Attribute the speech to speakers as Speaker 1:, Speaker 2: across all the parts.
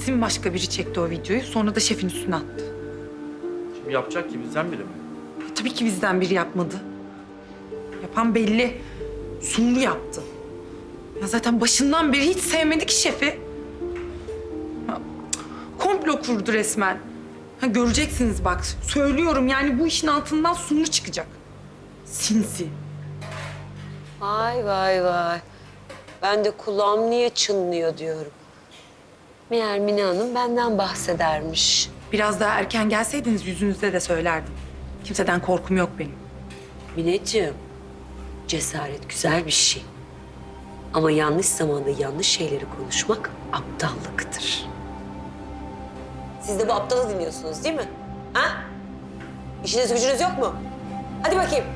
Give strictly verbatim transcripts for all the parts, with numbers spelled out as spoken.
Speaker 1: Kesin başka biri çekti o videoyu. Sonra da şefin üstüne attı.
Speaker 2: Kim yapacak ki, bizden biri mi?
Speaker 1: E, tabii ki bizden biri yapmadı. Yapan belli. Sumru yaptı. Ya zaten başından beri hiç sevmedi ki şefi. Ya, komplo kurdu resmen. Ha, göreceksiniz bak. Söylüyorum yani bu işin altından Sumru çıkacak. Sinsi.
Speaker 3: Vay vay vay. Ben de kulağım niye çınlıyor diyorum. Meğer Mine Hanım benden bahsedermiş.
Speaker 1: Biraz daha erken gelseydiniz yüzünüzde de söylerdim. Kimseden korkum yok benim.
Speaker 3: Mineciğim, cesaret güzel bir şey. Ama yanlış zamanda yanlış şeyleri konuşmak aptallıktır. Siz de bu aptalı dinliyorsunuz değil mi? Ha? İşiniz gücünüz yok mu? Hadi bakayım.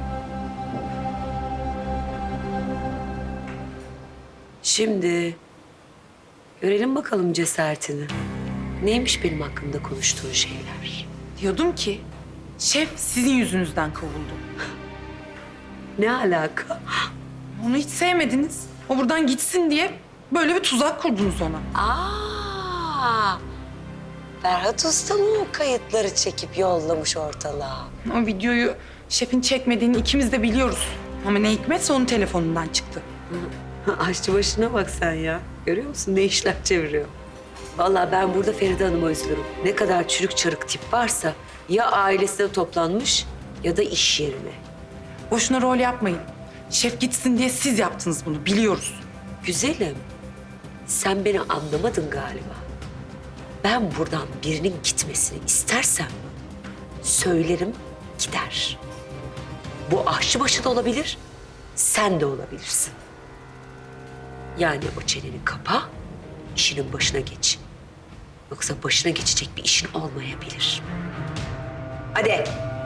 Speaker 3: Şimdi görelim bakalım cesaretini. Neymiş benim hakkımda konuştuğun şeyler?
Speaker 1: Diyordum ki şef sizin yüzünüzden kovuldu.
Speaker 3: Ne alaka?
Speaker 1: Onu hiç sevmediniz. O buradan gitsin diye böyle bir tuzak kurdunuz ona.
Speaker 3: Aa, Ferhat Usta mı o kayıtları çekip yollamış ortalığa?
Speaker 1: O videoyu şefin çekmediğini ikimiz de biliyoruz. Ama ne hikmetse onun telefonundan çıktı.
Speaker 3: Aşçı başına bak sen ya. Görüyor musun ne işler çeviriyor? Vallahi ben burada Feride Hanım'a üzülürüm. Ne kadar çürük çarık tip varsa ya ailesine toplanmış ya da iş yerine.
Speaker 1: Boşuna rol yapmayın. Şef gitsin diye siz yaptınız bunu biliyoruz.
Speaker 3: Güzelim, sen beni anlamadın galiba. Ben buradan birinin gitmesini istersem söylerim gider. Bu aşçıbaşı da olabilir, sen de olabilirsin. Yani o çeneni kapa, işinin başına geç. Yoksa başına geçecek bir işin olmayabilir. Hadi.